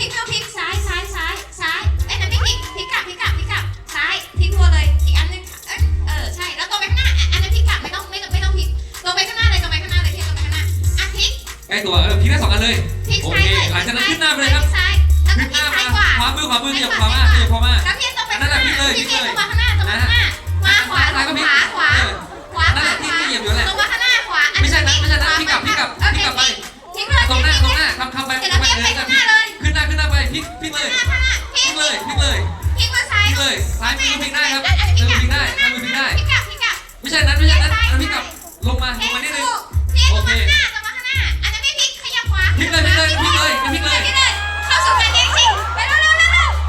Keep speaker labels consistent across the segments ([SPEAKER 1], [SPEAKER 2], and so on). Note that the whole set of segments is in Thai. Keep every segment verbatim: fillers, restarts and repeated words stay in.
[SPEAKER 1] กไม่ต้องพลิกซ้ายซ้ายซ้ายซ้ายเอ้ยนั่นไม่พลิกพลิกกลับพลิกกลับพลิกกลับซ้ายพลิกรัวเลยอีกอันนึงเออเออใช่แล้วตรงไปข้างหน้าอันนั้นพลิกกลับไม่ต้องไม่ต้องไม่ต้องพลิกตรงไปข้างหน้าเลยตรงไปข้างหน้าเลยที่ตรงไปข้างหน้าอ่ะพลิก
[SPEAKER 2] ใกล้ตัวเออพลิกได้สองอันเลย
[SPEAKER 1] พลิก
[SPEAKER 2] โอ
[SPEAKER 1] ซ้าย
[SPEAKER 2] เค
[SPEAKER 1] เลย
[SPEAKER 2] หลังจากนั้นขึ้นหน้าไปเลยครับ
[SPEAKER 1] ซ้ายแล้วก็
[SPEAKER 2] ขึ้น
[SPEAKER 1] พ
[SPEAKER 2] ห
[SPEAKER 1] ลิ
[SPEAKER 2] น้าก
[SPEAKER 1] ซ้า
[SPEAKER 2] มาย
[SPEAKER 1] ขวา
[SPEAKER 2] ขวามือขวามือขยับขวามากขยับขวามา
[SPEAKER 1] แล้วพี่ตรงไปข้างหน้า
[SPEAKER 2] นั่นแหละพลิกเลย
[SPEAKER 1] พี่ตรงมาข้างหน้าตรงมาข้างหน้ามาขวาลงขวาขวาขวา
[SPEAKER 2] นั่น
[SPEAKER 1] ข
[SPEAKER 2] แห
[SPEAKER 1] วา
[SPEAKER 2] ละที่ที่เหยียบอยู่แหละ
[SPEAKER 1] ตรงมาข้างหน้าขวา
[SPEAKER 2] ไม่ใช่นะไม่ใช่นะพลิกกลับพลิกกลับพลิกกลับไป
[SPEAKER 1] พลิกเลย
[SPEAKER 2] ตรงหน้าตรงหน้าคำคำไป
[SPEAKER 1] เสร็จแล้ว
[SPEAKER 2] ไป
[SPEAKER 1] พี่
[SPEAKER 2] เล
[SPEAKER 1] ไป
[SPEAKER 2] ย
[SPEAKER 1] ข้างหน้าเลย
[SPEAKER 2] ขึ้นหน้าขึ้นหน้าไปพลิกพลิกเลย
[SPEAKER 1] ข้างหน้า
[SPEAKER 2] พ
[SPEAKER 1] พลิ
[SPEAKER 2] ลิ
[SPEAKER 1] ก
[SPEAKER 2] กเลยพลิกเลย
[SPEAKER 1] พลิกมาซ้าย
[SPEAKER 2] พลิกเลยซ้ายมือพลิกได้ครับ
[SPEAKER 1] อันนี้
[SPEAKER 2] มือ
[SPEAKER 1] พ
[SPEAKER 2] พ
[SPEAKER 1] ลิ
[SPEAKER 2] ลิ
[SPEAKER 1] ก
[SPEAKER 2] ก
[SPEAKER 1] ได้
[SPEAKER 2] ได้มือพลิกได้
[SPEAKER 1] พลิกกลับพลิกกลับ
[SPEAKER 2] ไม่ใช่นั้นไม่ใช่นั้นอันนั้นพลิกกลับลงมาลงมานิดนึง
[SPEAKER 1] พี่ตรงมาข้างหน้าตรงมาข้างหน้าอันนั้นไม่พลิกขยับขวา
[SPEAKER 2] พลิกเลยพลิกเลยพลิกเลยพลิกเลย
[SPEAKER 1] พลิกเลยเข้าสู่การยิงจริงไปเร็วเร็วเร็วเร็ว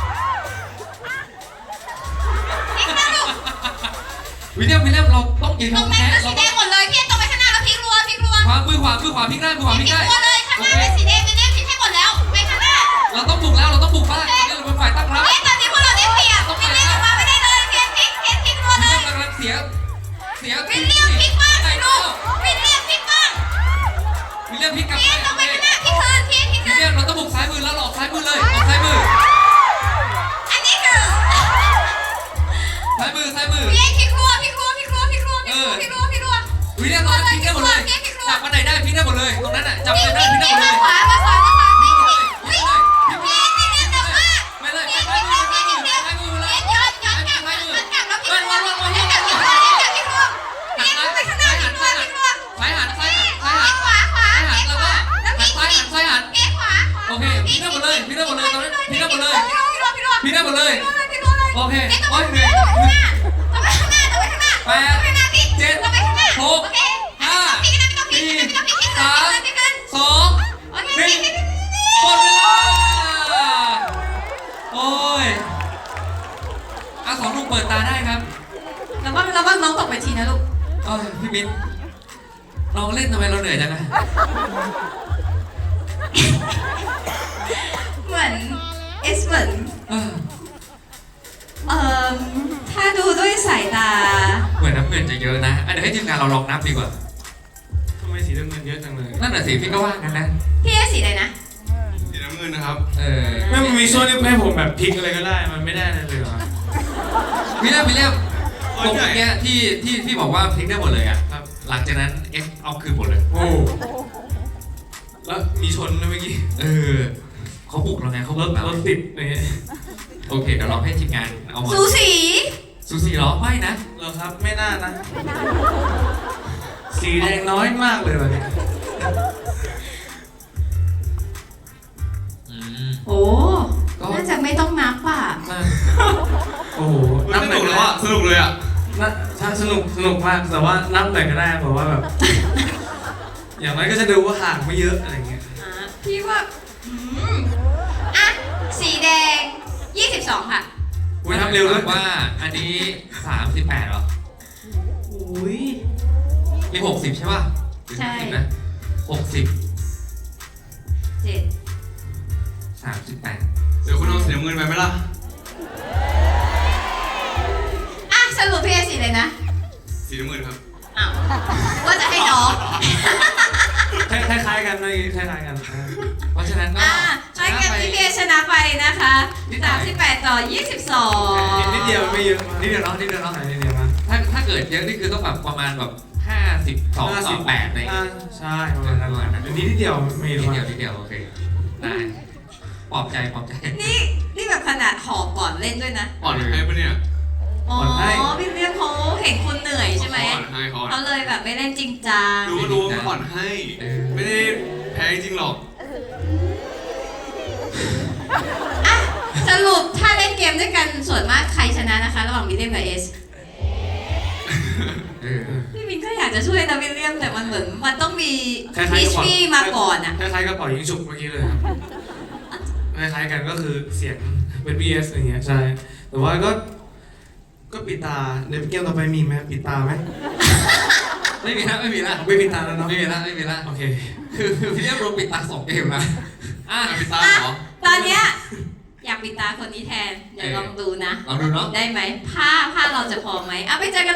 [SPEAKER 1] พลิกนะลูก
[SPEAKER 2] วิลเลียมวิลเลียมเราต้องยืน
[SPEAKER 1] ตรง
[SPEAKER 2] ทำ
[SPEAKER 1] นั้น
[SPEAKER 2] แพ้
[SPEAKER 1] เป็นสีแดงหมดเลยพี่ตรงไปข้างหน้าแล้วพลิกรัวพลิกรัว
[SPEAKER 2] ขวามือขวามือขวาพลิกได้มือขวาพลิกได้
[SPEAKER 1] รัวเลยข้างหน้าเป็นสีแดงเป็นแดงพลิกให้หมดแล้วไปข้างหน้า
[SPEAKER 2] เราต้องบุกแล้วเราต้องบุกบ้างตอนนี้เราเป็นฝ่ายตั้งรับ
[SPEAKER 1] เฮ้ยตอนนี้พวกเราได้เปรียบวิลเลียมออกมาไม่ได้เลยเพียนพลิกเพียนพลิกรัว
[SPEAKER 2] วิล
[SPEAKER 1] เล
[SPEAKER 2] เลีย
[SPEAKER 1] ย
[SPEAKER 2] มกำลังเสียเสีย
[SPEAKER 1] วิลเลียมพลิกมากเลยลูกวิลเลียมพลิกมาก
[SPEAKER 2] วิลเลียมพลิกกลับ
[SPEAKER 1] เพียนตรงไปข้างหน้าพลิกคืนเพียนพลิก
[SPEAKER 2] วิ
[SPEAKER 1] คื
[SPEAKER 2] ลเลีย
[SPEAKER 1] น
[SPEAKER 2] มเราต้องบุกซ้ายมือแล้วเราออกซ้ายมือเลยออกซ้ายมือ
[SPEAKER 1] อันนี้คือ
[SPEAKER 2] ซ้ายมือซ้ายมือ
[SPEAKER 1] เพียนพลิกรัวพลิกรัวพลิกรัวพลิกรัวพลิกรัวพลิกรัวพลิกรัว
[SPEAKER 2] วิลเลียมเราพลิกได้หมดเลยจับมาไหนได้พลิกได้หมดเลยตรงนั้นอ่ะจับมาไหนได้พลิกได้หมดเลย
[SPEAKER 1] ขวามาขวามาขวา
[SPEAKER 2] พลิ
[SPEAKER 1] พลิ
[SPEAKER 2] ก
[SPEAKER 1] ก
[SPEAKER 2] เลย
[SPEAKER 1] พลิ
[SPEAKER 2] พลิ
[SPEAKER 1] ก
[SPEAKER 2] กเลยพลิกเลย
[SPEAKER 1] เพียนเพียนเร็วมาก
[SPEAKER 2] ไม่เลย
[SPEAKER 1] เพียน
[SPEAKER 2] ซ้ายมือ
[SPEAKER 1] เพียน
[SPEAKER 2] ซ้าย
[SPEAKER 1] เพียน
[SPEAKER 2] มือ
[SPEAKER 1] เพียน
[SPEAKER 2] ซ้ายมือ
[SPEAKER 1] เพี
[SPEAKER 2] เลย
[SPEAKER 1] ยนย้อนย้อนกลับย้อนกลับแล้วพลิกรัวพลิกรัวพลิกรัวพลิกรัวพลิกรัวเพียนไปข้างหน้าพลิกรัวพลิกรัว
[SPEAKER 2] ซ้ายหันซ้ายหัน
[SPEAKER 1] ข
[SPEAKER 2] ซ้ายว
[SPEAKER 1] า
[SPEAKER 2] หัน
[SPEAKER 1] ขวาขวา
[SPEAKER 2] ซ้ายหันแล้วก็
[SPEAKER 1] แล้วพ
[SPEAKER 2] หั
[SPEAKER 1] ลิ
[SPEAKER 2] น
[SPEAKER 1] ก
[SPEAKER 2] ซ้ายหันซ้ายหัน
[SPEAKER 1] เพียนขวาขวา
[SPEAKER 2] โอเคพลิกได้หมดเลยพลิกได้หมดเลยตรงนั้นพลิกได้หมดเลย
[SPEAKER 1] พลิกรัวพลิกรัวพลิกรัว
[SPEAKER 2] พลิกได้หมดเลย
[SPEAKER 1] พลิกรัวเลย
[SPEAKER 2] โอเค
[SPEAKER 1] เอ๊ะ
[SPEAKER 2] โอ้ยเหนื่อย
[SPEAKER 1] ต้องไปข้างหน้าต้องไปข้างหน้า
[SPEAKER 2] แป
[SPEAKER 1] ต้อง
[SPEAKER 2] ด
[SPEAKER 1] ไปข้างหน้าพี่
[SPEAKER 2] เจ็ด
[SPEAKER 1] ต้องไปข้างหน้า
[SPEAKER 2] หก
[SPEAKER 1] โอเค
[SPEAKER 2] ห้า
[SPEAKER 1] พลิกไม่ต้องพลิกไม่ต้องพลิกไม่ต้องพลิกพลิกขึ้น
[SPEAKER 2] สอง
[SPEAKER 1] โอเคพลิกพลิกพลิก
[SPEAKER 2] หมดเวลาโอ้ยเอาสองลูกเปิดตาได้ครับ
[SPEAKER 1] แล้วว่าแล้วว่าน้องตกไปทีนะลูก
[SPEAKER 2] เอ้ยพี่มิ้นเราเล่นทำไมเราเหนื่อยจังนะ
[SPEAKER 1] เหมือนเอสเหมือน
[SPEAKER 2] เออ
[SPEAKER 1] เอ่อถ้าดูด้วยสายตา
[SPEAKER 2] เหมือนน้ำเงินจะเยอะนะอ่ะเดี๋ยวให้ทีมงานเราลองนับดีกว่า
[SPEAKER 3] ทำไมสีน้ำเงินเยอะจังเลย
[SPEAKER 2] นั่นน่ะสิพี่ก็ว่ากันนะ
[SPEAKER 1] พี่เอสสีอะไรนะ
[SPEAKER 3] สีน้ำเงินนะครับ
[SPEAKER 2] เออ
[SPEAKER 3] ไม่มันมีช่วงที่ให้ผมแบบพลิกอะไรก็ได้ มันไม่ได้เลยเหรอ
[SPEAKER 2] วิลเลียมวิลเลียมตรงเมื่อกี้ที่ที่ที่บอกว่าพลิกได้หมดเลยอ่ะ
[SPEAKER 3] ครับ
[SPEAKER 2] หลังจากนั้นเอ็กเอาคืนหมดเลย
[SPEAKER 3] โอ้แล้วมีชนนะเมื่อกี้
[SPEAKER 2] เออเขาบุกเราไงเขา
[SPEAKER 3] ร
[SPEAKER 2] บุ
[SPEAKER 3] ถ
[SPEAKER 2] กเรา
[SPEAKER 3] รถติดอะไรเงี้ย
[SPEAKER 2] โอเคเดี๋ยวลองให้ทีมงานเอามา
[SPEAKER 1] สูสี
[SPEAKER 2] ซูซี่เหรอไม่นะ
[SPEAKER 3] เหรอครับไม่น่านะ สีแดงน้อยมากเลยวันนี้
[SPEAKER 2] อืม
[SPEAKER 1] โอ้น่าจะไม่ต้องนับอ่ะ
[SPEAKER 2] มา
[SPEAKER 3] โอ้โหนับหน่อยก็ได้
[SPEAKER 4] สนุกเลยอ่ะ
[SPEAKER 3] นับถ้าสนุกสนุกมากแต่ว่านับหน่อยก็ได้แบบว่าแบบ อย่างน้อยก็จะดูว่าห่างไม่เยอะอะไรเงี้ย
[SPEAKER 1] อ่ะพี่ว่าอืมอ่ะสีแดงยี่สิบสองค่ะ
[SPEAKER 3] อุ้ยนับเร็วด้วย
[SPEAKER 2] ว่าอันนี้สามสิบแปดเหรอ
[SPEAKER 3] อุ้ย
[SPEAKER 2] มีหกสิบใช่ป่ะหรือ
[SPEAKER 1] ใช่
[SPEAKER 2] ห้าสิบนะหกสิบ
[SPEAKER 1] เจ็ด
[SPEAKER 2] สามสิบแปด
[SPEAKER 4] เดี๋ยวคุณเอาสีน้ำเงินไปไหมล่ะ
[SPEAKER 1] อ่ะสรุปพี่เอสสีอะไรนะ
[SPEAKER 4] สีน้ำเงินครับ
[SPEAKER 1] อ้าวว่าจะให้น้อง
[SPEAKER 3] คล้ายๆกันเลยคล้ายๆกัน
[SPEAKER 2] เพราะฉะนั้นก็
[SPEAKER 1] อ่ะให้กับพี่เอชนะไปนะคะสามสิบแปดต่อยี่สิบสอง
[SPEAKER 3] นิดเดียวไม่เยอะ
[SPEAKER 2] นิดเดียวเนาะนิดเดียวเนาะ
[SPEAKER 3] นิดเดียวมา
[SPEAKER 2] ถ้าถ้าเกิดเยอะนี่คือต้องแบบประมาณแบบห้าสิบสองต่อแปดอะไรอย่างเงี้ย
[SPEAKER 3] ใช่ประมาณนั้นอันนี้นิดเดียวไม่
[SPEAKER 2] นิ
[SPEAKER 3] เย
[SPEAKER 2] ด
[SPEAKER 3] อะ
[SPEAKER 2] เดียว
[SPEAKER 3] มาก
[SPEAKER 2] นิดเดียวโอเคได้ปลอบใจปลอบใจ
[SPEAKER 1] นี่นี่แบบขนาดหอบก่อนเล่นด้วยนะ
[SPEAKER 4] อ่อนให้ปะเนี่ย
[SPEAKER 1] อ๋อพี่เรียกเขาเห็นคุณเหนื่อยใช่ไหม
[SPEAKER 4] อ่อนให้เขาอ่อน
[SPEAKER 1] เขาเลยแบบไม่เล่นจริงจัง
[SPEAKER 4] รู้ก็รู้ว่าอ่อนให้ ไม่ได้แพ้จริงหรอก
[SPEAKER 1] อ่ะสรุปถ้าเล่นเกมด้วยกันส่วนมากใครชนะนะคะ ระหว่างวิลเลียมกับเอส
[SPEAKER 2] เออ
[SPEAKER 1] พี่มินก็อยากจะช่วยนะวิลเลียมแต่มันเหมือนมันต้องมี
[SPEAKER 3] คล้ายๆ
[SPEAKER 1] พี
[SPEAKER 3] กับ
[SPEAKER 1] ชพี่มาก่อนอ่ะ
[SPEAKER 3] คล้ายๆกับเป่ายิงฉุบเมื่อกี้เลยครับคล้ายๆกันก็คือเสียงเป็น บี เอส อย่างเงี้ยใช่แต่ว่าก็ก็ปิดตาในเกมต่อไปมีไหมปิดตาไหม
[SPEAKER 2] ไม่มีละไม่มีละ
[SPEAKER 3] ไม่ปิดตาแล้วเนาะ
[SPEAKER 2] ไม่มีละไม่มีละ
[SPEAKER 3] โอเค
[SPEAKER 2] คือคือพี่เรียกรวมปิดตาสองเกมนะอ่ะ
[SPEAKER 4] ไปตามเหรอ
[SPEAKER 1] ตอนเนี้ยอยากปิดตาคนนี้แทนเดี๋ยวลองดูนะ
[SPEAKER 2] ลองดูเนาะ
[SPEAKER 1] ได้ไหมผ้าผ้าเราจะพอไหมเอาไปเจอกัน